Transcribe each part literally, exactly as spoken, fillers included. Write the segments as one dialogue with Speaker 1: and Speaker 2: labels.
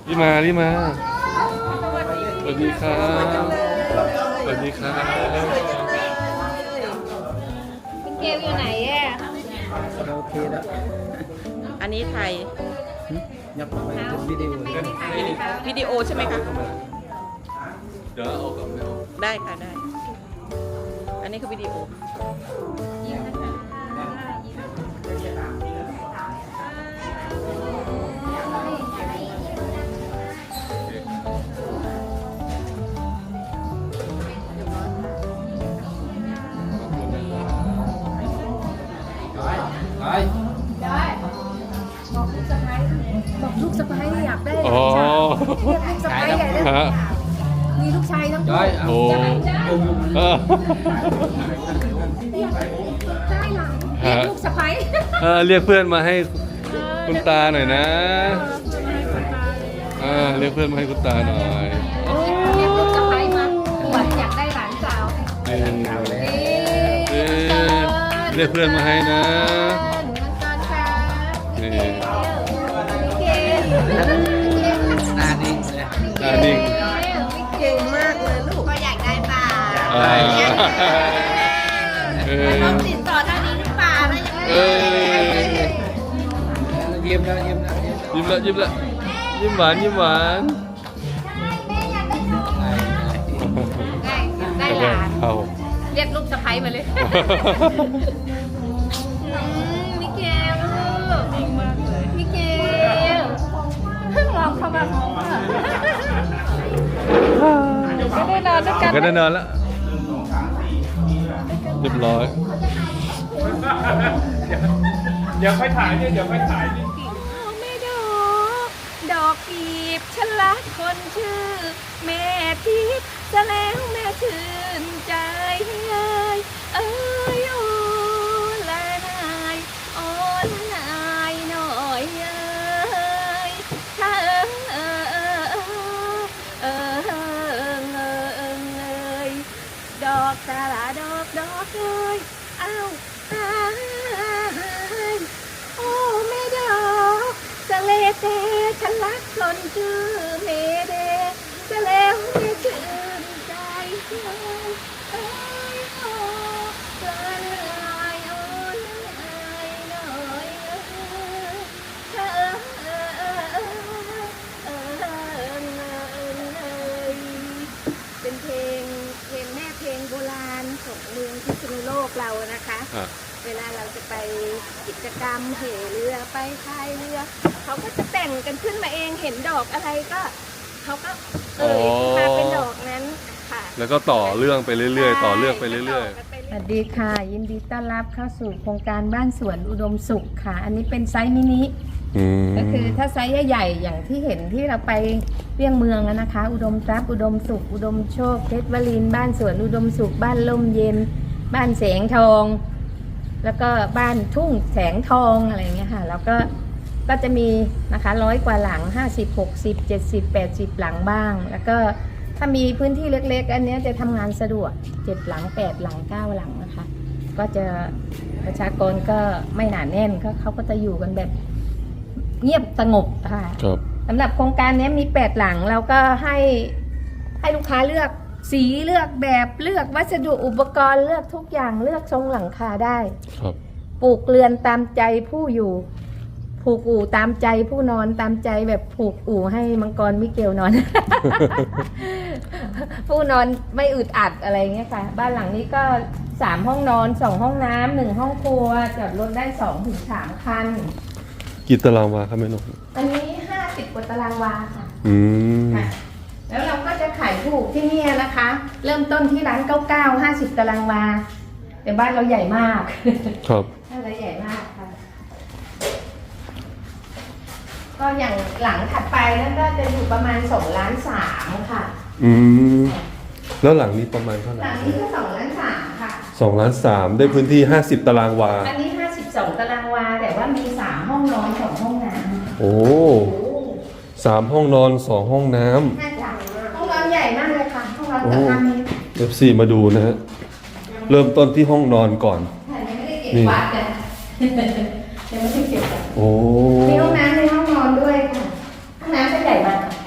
Speaker 1: รีบมารีบมาสวัสดีครับสวัสดีครับ
Speaker 2: พี่เกลอยู่ไหนอ่ะ
Speaker 3: โอเคแล้ว
Speaker 4: อันนี้ไทย
Speaker 3: ยับไปเป็นวิดีโอ
Speaker 4: วิดีโอใช่ไหมคะ
Speaker 1: เดี๋ยวเอากลับไม่เอา
Speaker 4: ได้ค่ะได้ อันนี้คือวิดีโอ
Speaker 2: ยิ้มนะคะยิ้ม
Speaker 3: ไป
Speaker 2: ได้บอกลูกสะพ้ายบอกลูกสะพ้ายอยากได้
Speaker 1: อ๋อ
Speaker 2: เรียกลูกสะพ้ายใหญ่เลย
Speaker 1: ฮะ
Speaker 2: มีลูกชายทั้งคู่
Speaker 3: ย้อย
Speaker 1: โอ้เออ
Speaker 2: ได้หลังเรียกลูกสะพ้าย
Speaker 1: เออเรียกเพื่อนมาให้คุณตาหน่อยนะเออเรียกเพื่อนมาให้คุณตาหน่อย
Speaker 2: เรียกลูกสะพ้ายมาหวังอยากได้หลานสาว
Speaker 1: เออ
Speaker 2: เอ๊
Speaker 1: เออเรียกเพื่อนมาให้นะ
Speaker 2: หนูมังกรค่ะ
Speaker 1: นี่
Speaker 2: พี่เกล
Speaker 3: หน้านิ่งเลย
Speaker 1: ตานิ่ง
Speaker 4: เก่งมากเลยลูก
Speaker 2: ก็อยากได้ป่า
Speaker 1: อ่าเออ
Speaker 2: ต้องติดต่อทางนี้หรือเปล่าแล้วยังไง
Speaker 1: เออ
Speaker 3: ยิ้มแล้วยิ้มแล้วยิ้มแล้ว
Speaker 1: ยิ้มละยิ้มละยิ้มหวานยิ้มหวาน
Speaker 2: ได้ได้หลาน
Speaker 1: เอา
Speaker 2: เรียกลูกสะใภ้มาเลยมิเกลลูกมิเกลเพิ่งมองเข้ามามองอ่ะก็ได้นอนด้วยกัน
Speaker 1: ก็ได้นอนแล้วเรียบร้อย
Speaker 5: เดี๋ยวค่อยถ่ายเนี่ยเดี๋ยวค่อยถ่ายนี่
Speaker 2: ไม่ดอกดอกกีบฉันรักคนชื่อ แม่ทิพย์จะแล้วแม่ชื่นใจเอ้ยเอ้ยโอ้ละนายโอ้ละนายหน่อยเอ้ยถ้าเอิงเอิงเอิงเอิงเอิงเอิงเอ้ยดอกสาระดอกดอกเอ้ยเอ้าตายโอ้แม่ดอกสะเลเตฉันรักคนชื่อเมเดจะแล้วไม่ชื่นใจเลยเอ้ยโอ้ละนายโอ้ละนายหน่อยเอ้ยเออเออเออเออเออเออเป็นเพลงเพลงแม่เพลงโบราณของเมืองพิษณุโลกเรานะคะ
Speaker 1: อ่ะ
Speaker 2: เวลาเราจะไปกิจกรรมเหเรือไปพายเรือเขาก็จะแต่งกันขึ้นมาเองเห็นดอกอะไรก็เขาก็เอ่ยมาเป็นดอกนั้นค่ะ
Speaker 1: แล้วก็ต่อเรื่องไปเรื่อยๆ ต่อเรื่องไปเรื่อย
Speaker 2: สวัสดีค่ะ ยินดีต้อนรับเข้าสู่โครงการบ้านสวนอุดมสุขค่ะ อันนี้เป็นไซส์มินิ
Speaker 1: ๆอืม
Speaker 2: ก็คือถ้าไซส์ใหญ่ๆอย่างที่เห็นที่เราไปเลี่ยงเมืองอะนะคะ อุดมทรัพย์อุดมสุข อุดมโชคเพชรวลินทร์บ้านสวนอุดมสุข บ้านล่มเย็น บ้านแสงทอง แล้วก็บ้านทุ่งแสงทองอะไรอย่างเงี้ยค่ะแล้วก็ก็จะมีนะคะร้อยกว่าหลังห้าสิบ หกสิบ เจ็ดสิบ แปดสิบหลังบ้าง แล้วก็ถ้ามีพื้นที่เล็กๆอันเนี้ยจะทำงานสะดวกเจ็ดหลังแปดหลังเก้าหลังนะคะก็จะประชากรก็ไม่หนาแน่นก็เขาก็จะอยู่กันแบบเงียบสงบค่ะ
Speaker 1: ครับ
Speaker 2: สำหรับโครงการนี้มีแปดหลังแล้วก็ให้ให้ลูกค้าเลือกสีเลือกแบบเลือกวัสดุอุปกรณ์เลือกทุกอย่างเลือกทรงหลังคาได้
Speaker 1: ครับ
Speaker 2: ปลูกเรือนตามใจผู้อยู่ผูกอู่ตามใจผู้นอนตามใจแบบผูกอู่ให้มังกรมิเกลนอน ผู้นอนไม่อึดอัดอะไรเงี้ยค่ะบ้านหลังนี้ก็สามห้องนอนสองห้องน้ำหนึ่งห้องครัวจอดรถได้สองถึงสามคัน
Speaker 1: กี่ตารางวาครับแม่นก
Speaker 2: อันนี้ห้าสิบกว่าตารางวาค่ะ
Speaker 1: อืม
Speaker 2: ค่ะแล้วเราก็จะขายถูกที่นี่นะคะ เริ่มต้นที่ร้านเก้าเก้าห้าสิบตารางวาแต่บ้านเราใหญ่มาก
Speaker 1: ครับ
Speaker 2: บ้านเราใหญ่มากค่ะก็อย่างหลังถัดไปนั่นก็จะอยู่ประมาณสองล้านสามค่ะ
Speaker 1: อืมแล้วหลังนี้ประมาณเท่าไหร่
Speaker 2: หลังนี้ก็สองล้านสามค่ะ
Speaker 1: สองล้านสามได้พื้นที่ห้าสิบตารางวา
Speaker 2: อันนี้ห้าสิบสองตารางวาแต่ว่ามีสามห้องนอนสองห้องน้ำ
Speaker 1: โอ้สามห้องนอนสองห้องน้
Speaker 2: น่าจะห้องนอนใหญ่มากเลยค่ะห้องนอน
Speaker 1: ำโอ้
Speaker 2: เกือบห้าเมตร
Speaker 1: เอฟซีมาดูนะฮะเริ่มต้นที่ห้องนอนก่อน
Speaker 2: ค่ะยังไม่ได้เก็บกวาดเลยยังไม่ได้เก็บกวาด
Speaker 1: โอ้
Speaker 2: มีห้องน้ำในห้องนอนด้วยค่ะห้องน้ำจะใหญ่มาก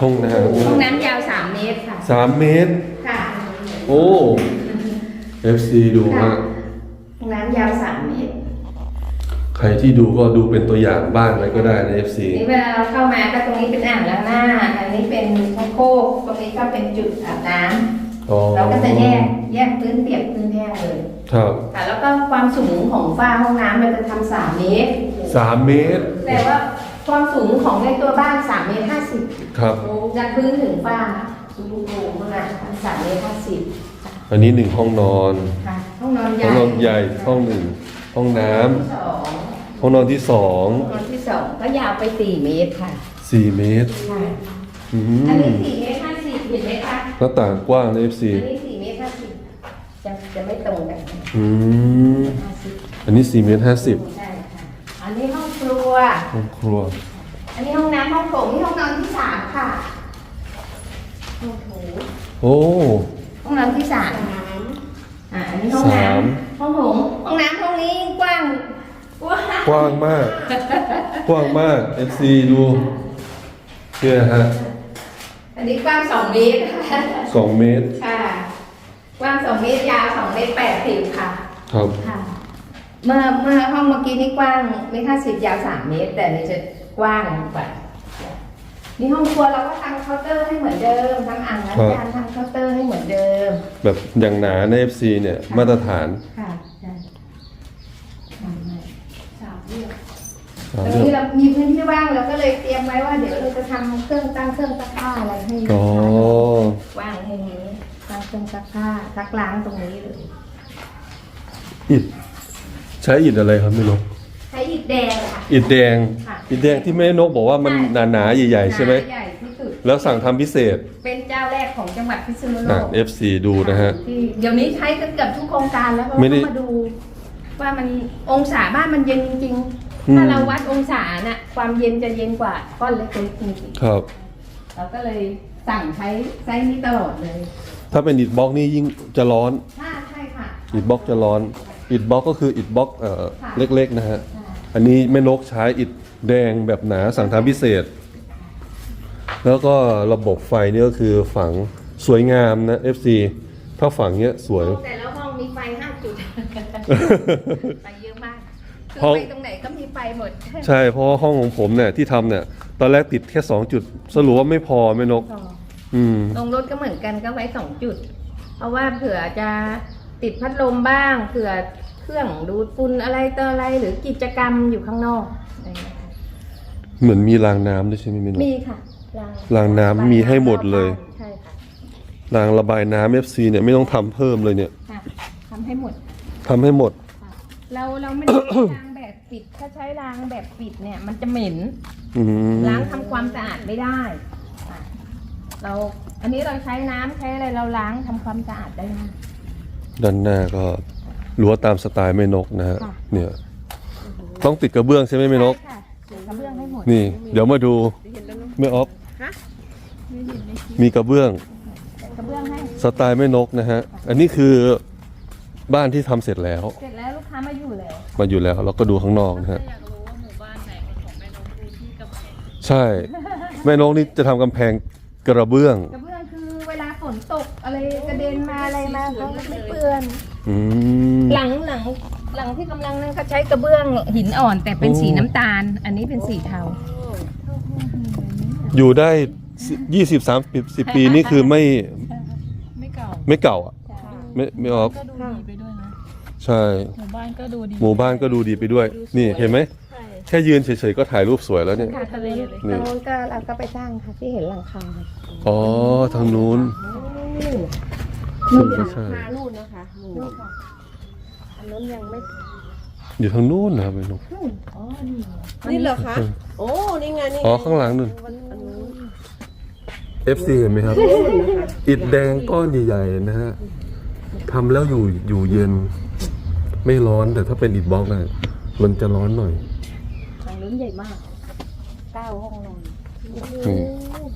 Speaker 1: ห้องน้
Speaker 2: ห้องน้ำยาวสามเมตรค่ะ
Speaker 1: ำสามเมตร
Speaker 2: ค่ะ
Speaker 1: โอ้ เอฟ ซี ดูฮะ
Speaker 2: ห้องน้ำยาวสามเมตร
Speaker 1: ใครที่ดูก็ดูเป็นตัวอย่างบ้างอะไรก็ได้นะ เอฟ ซี
Speaker 2: นี่เวลาเราเข้ามาก็ตรงนี้เป็นอ่างล้างหน้า อันนี้เป็นชักโครกตรงนี้ก็เป็นจุดอาบน้ำ
Speaker 1: อ๋อ
Speaker 2: เราก็จะแยกแยกพื้นเปียกพื้นแห้งเลย
Speaker 1: ครับ
Speaker 2: ค่ะแล้วก็ความสูงของฝ้าห้องน้ำมันจะทำสามเมตร
Speaker 1: สามเมตร
Speaker 2: แต่ว่าความสูงของในตัวบ้านสามเมตรห้าสิบ
Speaker 1: ครับ
Speaker 2: จากพื้นถึงฝ้าสูงสูงมากสามเมตรห้าสิบ
Speaker 1: อันนี้หนึ่งห้องนอน
Speaker 2: ค่ะห้องนอนให
Speaker 1: ห้
Speaker 2: ญ่
Speaker 1: องนอนใหญ่ห้องหนึ่งห้องน้ำ
Speaker 2: สอง
Speaker 1: ห้องนอนที่สอง
Speaker 2: ห้องนอนที่สองก็ยาวไปสี่เมตรค่ะ
Speaker 1: สี่เมตร
Speaker 2: ค่ะ
Speaker 1: อื
Speaker 2: อัน
Speaker 1: ม
Speaker 2: นี้สี่เมตรห้าสิบเห็นไหมคะ
Speaker 1: หน้าต่างกว้างนะ เอฟ ซี
Speaker 2: อันนี้สี่เมตรห้าสิบจะจะไม่ตรงกัน
Speaker 1: อืม
Speaker 2: ห้าสิบ
Speaker 1: อันนี้สี่เมตรห้าสิบ
Speaker 2: ใช่ค่ะอันนี้ห้องครัว
Speaker 1: ห้องครัว
Speaker 2: อันนี้ห้องน้ำห้องโถงนี่ห้องนอนที่สามค่ะห้องโถง
Speaker 1: โอ้
Speaker 2: ห้องน้ำที่สามอ่าอันนี้ห้องน้
Speaker 1: สาม
Speaker 2: ำห้องโถงห้องน้ำห้องนี้กว้างกว้าง
Speaker 1: กว้างมาก กว้างมาก เอฟ ซี ดูเนี่ยฮะ
Speaker 2: อันนี้กว้างสองเมตรค่ะ
Speaker 1: สองเมตร
Speaker 2: ค่ะ กว้างสองเมตรยาวสองเมตรแปดสิบค่ะ
Speaker 1: ครับ
Speaker 2: ค่ะ เมื่อเมื่อห้องเมื่อกี้นี่กว้างเมตรห้าสิบยาวสามเมตร แต่นี่จะกว้างกว่านี่ห้องครัวเราก็ทำเคาน์เตอร์ให้เหมือนเดิมทำอ่างล้างจานทำเคาน์เตอร์ให้เหมือนเดิม
Speaker 1: แบบอย่างหนาใน เอฟ ซี เนี่ย มาตรฐาน
Speaker 2: ค่ะใช่ทำให้สามเรื่อง
Speaker 1: อ่า
Speaker 2: ตรง
Speaker 1: เรื่อง
Speaker 2: นี้เรามีพื้นที่ว่างเราก็เลยเตรียมไว้ว่าเดี๋ยวเราจะทำเครื่องตั้งเครื่องซักผ้าอะไรให้
Speaker 1: อ๋อ
Speaker 2: ว่างให้นี้ตั้งเครื่องซักผ้าซักล้างตรงนี้เลย
Speaker 1: อิฐใช้อิฐอะไรครับไม่รู้
Speaker 2: ใช้อิฐแดงค่ะ
Speaker 1: อิฐแดง
Speaker 2: ค่ะ
Speaker 1: อิฐแดงที่แม่นกบอกว่ามันหนาๆใหญ่ๆใช่ไหม
Speaker 2: ใหญ่ที่สุด
Speaker 1: แล้วสั่งทำพิเศษ
Speaker 2: เป็นเจ้าแรกของจังหวัดพิษณุโล
Speaker 1: อ่ะ
Speaker 2: ก
Speaker 1: เอฟ ซี ดูนะฮะ
Speaker 2: ที่เดี๋ยวนี้ใช้กันเกือบทุกโครงการแล้วเพราะ
Speaker 1: ไม่ได้
Speaker 2: ว่ามาดู ว่ามันองศาบ้านมันเย็นจริง
Speaker 1: อืม
Speaker 2: ๆ ถ้าเราวัดองศาน่ะความเย็นจะเย็นกว่าก้อนเล็กๆจริง
Speaker 1: ครับ
Speaker 2: ๆเราก็เลยสั่งใช้ไซส์นี้ตลอดเลย
Speaker 1: ถ้าเป็นอิฐบล็อกนี่ยิ่งจะร้อน
Speaker 2: ใช่ใช่ค่ะ
Speaker 1: อิฐบล็อกจะร้อน อิฐบล็อกก็คืออิฐบล็อกเอ่อ
Speaker 2: ค่ะ
Speaker 1: เล็กๆนะฮะ
Speaker 2: ใช่
Speaker 1: อันนี้แม่นกใช้อิฐแดงแบบหนาสั่งทำพิเศษ แล้วก็ระบบไฟนี่ก็คือฝังสวยงามนะ เอฟ ซี ถ้าฝังเนี้ยสวย
Speaker 2: แต่ละห้องมีไฟห้าจุด ไฟเยอะมากคือ
Speaker 1: ห้อง
Speaker 2: ไปตรงไหนก็มีไฟหมด
Speaker 1: ใช่เพราะว่าห้องของผมเนี่ยที่ทำเนี่ยตอนแรกติดแค่สองจุดสรุปว่าไม่พอแม่นก อืม
Speaker 2: ลงรถก็เหมือนกันก็ไว้สองจุด เพราะว่าเผื่อจะติดพัดลมบ้าง เผื่อเครื่องดูดฝุ่นอะไรต่ออะไรหรือกิจกรรมอยู่ข้างนอกอะไรอย่างเงี้ยค่ะ
Speaker 1: เหมือนมีรางน้ำด้วยใช่ไหมแม่นก
Speaker 2: มีค่ะ
Speaker 1: รางน้ำมีให้หมดเลย
Speaker 2: ใช่ค่ะ
Speaker 1: รางระบายน้ำ เอฟ ซี เนี่ยไม่ต้องทำเพิ่มเลยเนี่ย
Speaker 2: ค่ะทำให้หมด
Speaker 1: ทำให้หมด
Speaker 2: ค่ะเราเราไม่ได้ใช้รางแบบปิด ถ้าใช้รางแบบปิดเนี่ย มันจะเหม็น
Speaker 1: อืม
Speaker 2: ล้างทำความสะอาดไม่ได้ค่ะเราอันนี้เราใช้น้ำใช้อะไรเราล้างทำความสะอาดได้ง่าย
Speaker 1: ด้านหน้าก็รั้วตามสไตล์แม่นกนะฮะ
Speaker 2: ค่ะ
Speaker 1: เนี่ย ต้องติดกระเบื้องใช่ไหมแม่นก
Speaker 2: ใช่ค่ะติดกระเบื้องให้หมด
Speaker 1: นี่ เดี๋ยวมาดูแม่ออฟมีกระเบื้อง
Speaker 2: กระเบื้องให้
Speaker 1: สไตล์แม่นกนะฮะ อันนี้คือบ้านที่ทำเสร็จแล้ว
Speaker 2: เสร็จแล้วลูกค้ามาอยู่แล้ว
Speaker 1: มาอยู่แล้วเราก็ดูข้างนอกนะฮะใช่ แม่นกนี่จะทำกำแพงกระเบื้อง
Speaker 2: กระเบื้องคือเวลาฝนตกอะไรกระเด็นมาอะไรมาเขาก็ไม่เปื้อน
Speaker 1: อืม
Speaker 2: หลังหลังหลังที่กำลังนั่นก็ใช้กระเบื้องหินอ่อนแต่เป็น
Speaker 1: โอ้
Speaker 2: สีน้ำตาล อันนี้เป็นสีเทา
Speaker 1: อยู่ได้ยี่สิบสามสิบปีนี่คือไม่
Speaker 6: ไม่เก่า
Speaker 1: ไม่เก่าอ่ะ ไม่ไม่ออฟ
Speaker 6: ก็ดูดีไปด้วยนะ
Speaker 1: ใช่
Speaker 6: หมู่บ้านก็ดูดี
Speaker 1: หมู่บ้านก็ดูดีไปด้วย นี่เห็นไหม แค่ยืนเฉยๆก็ถ่ายรูปสวยแล้วเนี่ย
Speaker 2: ค่ะทะเล
Speaker 1: นี่
Speaker 2: ตรงนู้นก็เราก็ไปสร้างค่ะที่เห็นหลังคา
Speaker 1: อ๋อ ทางนู้น
Speaker 2: นู่น
Speaker 1: ใช่ใช่
Speaker 2: มานู่นนะคะนู่นค่ะอันนู้นยังไม่
Speaker 1: อยู่ทางนู้นนะครับแม่นก
Speaker 4: นี่เหรอคะ โอ้ นี่ไง นี่ไง
Speaker 1: อ๋อ ข้างหลังนู่น เอฟ ซี เห็นไหมครับ อิฐแดงก้อนใหญ่ๆนะฮะทำแล้วอยู่อยู่เย็น ไม่ร้อนแต่ถ้าเป็นอิฐบล็อกนะมันจะร้อนหน่อย
Speaker 2: ทางนู้นใหญ่มากเก้าห้องนอน
Speaker 1: อืม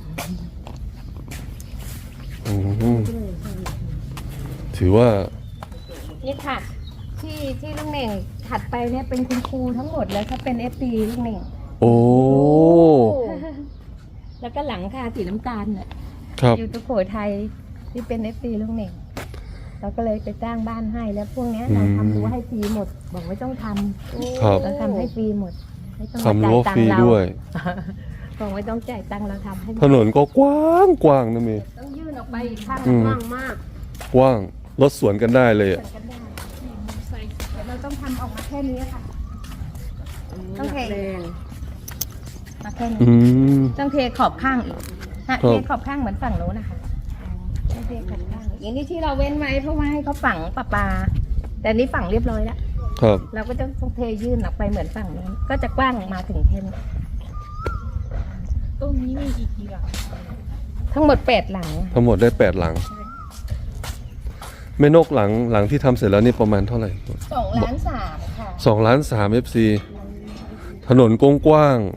Speaker 1: อืมถือว่า
Speaker 2: นี่ค่ะ ที่ที่ลูกเหน่งถัดไปเนี่ยเป็นคุณครูทั้งหมดแล้วถ้าเป็นเอฟซีลูกเหน่ง
Speaker 1: โอ้
Speaker 2: แล้วก็หลังคาสีน้ำตาลน่ะ
Speaker 1: ครับ
Speaker 2: อยู่ตุโขทัยที่เป็นเอฟซีลุงเหน่งเราก็เลยไปจ้างบ้านให้แล้วพวกเนี้ยเราทำรั้วให้ฟรีหมด บอกไม่ต้องทำ
Speaker 1: ครับ
Speaker 2: เราทำให้ฟรีหมดไม่ต้อง
Speaker 1: ทำรั้วฟรีด้วย
Speaker 2: บอกไม่ต้องจ่ายตังค์เราทำให้หมด
Speaker 1: ถนนก็กว้างกว้างนะเมย์
Speaker 2: ต้องยื่นออกไปอีกข้าง
Speaker 1: อืม
Speaker 2: กว้างมาก
Speaker 1: กว้างรถสวนกันได้เลยอะ
Speaker 2: กันได้แต่เราต้องทำออกมาแค่นี้ค่ะ ต้องเท
Speaker 4: แดง
Speaker 2: มาแค่นี้
Speaker 1: อืม
Speaker 2: ต้องเทขอบข้างอีกฮะ
Speaker 1: ครับ
Speaker 2: เทขอบข้างเหมือนฝั่งโน้นนะคะต้องเทขอบข้างอีกอย่างนี้ที่เราเว้นไว้เพราะว่าให้เขาฝังปลาปลาแต่นี่ฝังเรียบร้อยแล้ว
Speaker 1: ครับ
Speaker 2: เราก็จะต้องเทยื่นออกไปเหมือนฝั่งโน้นก็จะกว้างมาถึงแค่นี้
Speaker 6: ตรงนี้มีอีกกี่หลัง
Speaker 2: ทั้งหมดแปดหลัง
Speaker 1: ทั้งหมดได้แปดหลังแม่นกหลังหลังที่ทำเสร็จแล้วนี่ประมาณเท่าไหร่
Speaker 2: สองล้านสามค่ะ
Speaker 1: สองล้านสามเอฟซีถนนกว้าง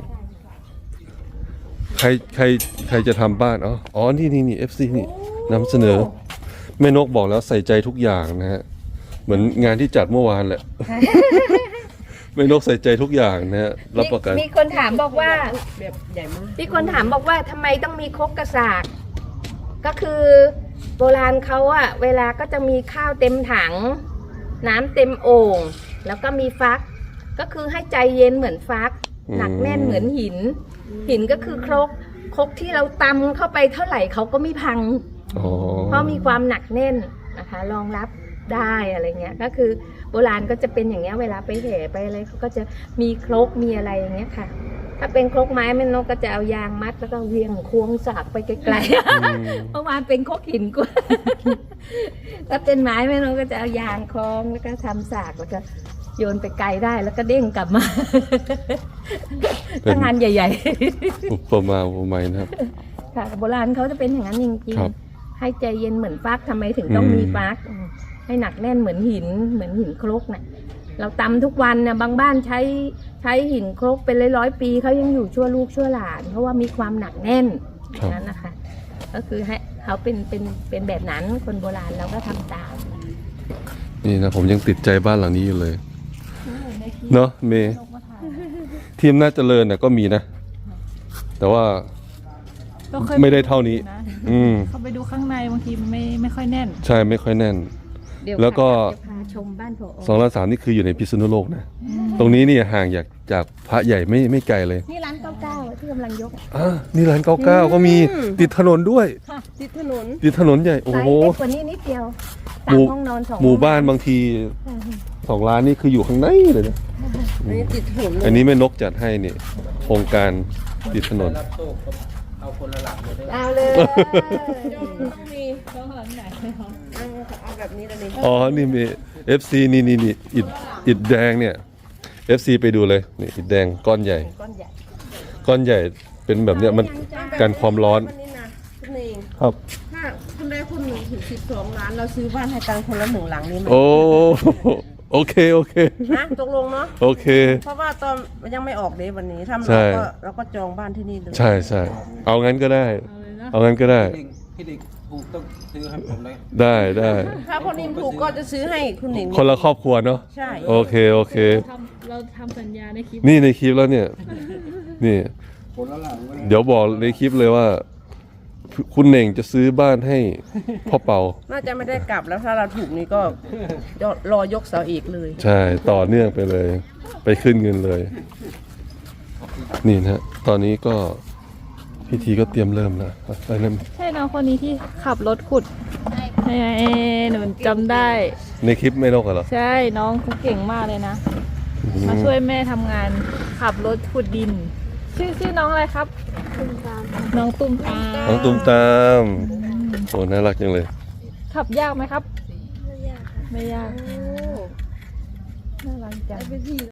Speaker 1: ๆใครใครใครจะทำบ้านอ๋ออ๋อนี่นี่นี่เอฟซีนี่นำเสนอแม่นกบอกแล้วใส่ใจทุกอย่างนะฮะเหมือนงานที่จัดเมื่อวานแหละ แม่นกใส่ใจทุกอย่างนะฮะรับประกัน
Speaker 2: มีคนถามบอกว่า
Speaker 4: แบบใหญ่มาก
Speaker 2: มีคนถามบอกว่าทำไมต้องมีครกกระสาก ก็คือโบราณเขาอะเวลาก็จะมีข้าวเต็มถัง น้ำเต็มโอ่งแล้วก็มีฟัก ก็คือให้ใจเย็นเหมือนฟัก
Speaker 1: อืม
Speaker 2: หนักแน่นเหมือนหิน หินก็คือครกครกที่เราตำเข้าไปเท่าไหร่เขาก็ไม่พัง
Speaker 1: อ๋อ
Speaker 2: เพราะมีความหนักแน่นนะคะรองรับได้อะไรเงี้ยก็คือโบราณก็จะเป็นอย่างเงี้ยเวลาไปแห่ไปอะไรเขาก็จะมีครกมีอะไรอย่างเงี้ยค่ะ ถ้าเป็นครกไม้แม่นกก็จะเอายางมัดแล้วก็เวียงควงสากไปไกล
Speaker 1: อืม
Speaker 2: ๆ เมื่อวานเป็นครกหินกว่า ถ้าเป็นไม้แม่นกก็จะเอายางคล้องแล้วก็ทำสากแล้วก็โยนไปไกลได้แล้วก็เด้งกลับมา
Speaker 1: เป็น
Speaker 2: ทำงานใหญ่
Speaker 1: อุปมาอุปไมยนะครับ
Speaker 2: ๆ ค่ะโบราณเขาจะเป็นอย่างนั้นจริง
Speaker 1: ครับ
Speaker 2: ๆให้ใจเย็นเหมือนฟักทำไมถึงต้อง
Speaker 1: อืม
Speaker 2: มีฟักอืมให้หนักแน่นเหมือนหินเหมือนหินครกน่ะ เราตำทุกวันนะบางบ้านใช้ใช้หินครกเป็นร้อยๆปีเขายังอยู่ชั่วลูกชั่วหลาน เพราะว่ามีความหนักแน่น
Speaker 1: ครับ
Speaker 2: นั้นนะคะ ก็คือให้เขาเป็นเป็นเป็นแบบนั้นคนโบราณเราก็ทำตาม
Speaker 1: นี่นะผมยังติดใจบ้านหลังนี้อยู่เลย เนาะเมย์ทีมน่าเจริญน่ะก็มีนะ แต่ว่า
Speaker 6: ก็เคย
Speaker 1: ไม่ได้เท่านี้
Speaker 6: นะ
Speaker 1: อืม
Speaker 6: เข้าไปดูข้างในบางทีมันไม่ไม่ค่อยแน่น
Speaker 1: ใช่ไม่ค่อยแน่น
Speaker 2: เดี๋ยว
Speaker 1: แล้วก็
Speaker 2: จะพาชมบ้านผอ
Speaker 1: สองล้านสามนี่คืออยู่ในพิษณุโลกนะ ตรงนี้เนี่ยห่างจากจากพระใหญ่ไม่ไม่ไกลเลย
Speaker 2: นี่ร้านเก้าเก้าที่กำลังยก
Speaker 1: อ่านี่ร้านเก้าเก้าก็มีติดถนนด้วย
Speaker 4: ติดถนน
Speaker 1: ติดถนนใหญ่ โอ้
Speaker 2: ไซ
Speaker 1: โห
Speaker 2: ส์เล็กกว่านี้นิดเดียว
Speaker 1: หมู่
Speaker 2: สามห้องนอนสอง
Speaker 1: หมู่บ้าน
Speaker 2: ห้อง
Speaker 1: บางทีสองล้านนี่คืออยู่ข้างในเลยนะ
Speaker 4: อันนี้ติดถนนเลย
Speaker 1: อันนี้แม่นกจัดให้นี่โครงการติดถนน
Speaker 3: รับโชคก็เอาคนละหลังเลยได้ไหม
Speaker 2: เอาเลย
Speaker 4: ต้องมี
Speaker 6: ก็หลังไหน
Speaker 4: เอาเอาแบบนี้เลยนี่
Speaker 1: อ๋อ นี่มี เอฟ ซี นี่นี่นี่อิดอิดแดงเนี่ย เอฟ ซี ไปดูเลย นี่อิดแดงก้อนใหญ่
Speaker 4: ก้อนใหญ่
Speaker 1: ก้อนใหญ่เป็นแบบเนี้ยมันกันความร้อน
Speaker 4: วันนี้นะคุณเอง
Speaker 1: ครับ
Speaker 4: ถ้าคุณได้คุณหนึ่งถึงสิบสองล้านเราซื้อบ้านให้ตังคนละหนึ่งหลังนี่ไหม
Speaker 1: โอ้ โอเค โอเค
Speaker 4: นะตกลงเนาะ
Speaker 1: โอเค
Speaker 4: เพราะว่าตอนมันยังไม่ออกเดยวันนี้ถ้า
Speaker 1: ใช่
Speaker 4: เราก็เราก็จองบ้านที่นี่เลย
Speaker 1: ใช่ใช่เอางั้นก็ได้
Speaker 6: เอาเลยนะ
Speaker 1: เอางั้นก็ได้
Speaker 3: พี่เด็กพี่เด็กถูกต้องซื้อให้ผมเลย
Speaker 1: ได้ได้
Speaker 4: ถ้าคนนิมถูกก็จะซื้อให้คุณหนิง
Speaker 1: คนละครอบครัวเนาะ
Speaker 4: ใช่
Speaker 1: โอเค โอเค
Speaker 6: ทำเราทำสัญญาในคลิป
Speaker 1: นี่ในคลิปแล้วเนี่ย นี่
Speaker 3: คนละหลังเลย
Speaker 1: เดี๋ยวบอกในคลิปเลยว่า คุณเหน่งจะซื้อบ้านให้พ่อเปา
Speaker 4: น่าจะไม่ได้กลับแล้วถ้าเราถูกนี่ก็รอยกเสาเอกเลย
Speaker 1: ใช่ ต่อเนื่องไปเลย ไปขึ้นเงินเลย นี่นะฮะตอนนี้ก็พิธีก็เตรียมเริ่มแล้วอะไรนั่น
Speaker 6: ใช่น้องคนนี้ที่ขับรถขุดใช่ไหมหนูจำได้
Speaker 1: ในคลิปไม่นกเหรอ
Speaker 6: ใช่น้องเขาเก่งมากเลยนะ
Speaker 1: อืม
Speaker 6: มาช่วยแม่ทำงานขับรถขุดดิน ชื่อชื่อน้องอะไรครับ น้องตุ้มตาม
Speaker 1: น้องตุ้มตามโอ้น่ารักจังเลย
Speaker 6: ขับยากไหมครับ ไม่ยาก ไม่ยาก น่ารักจัง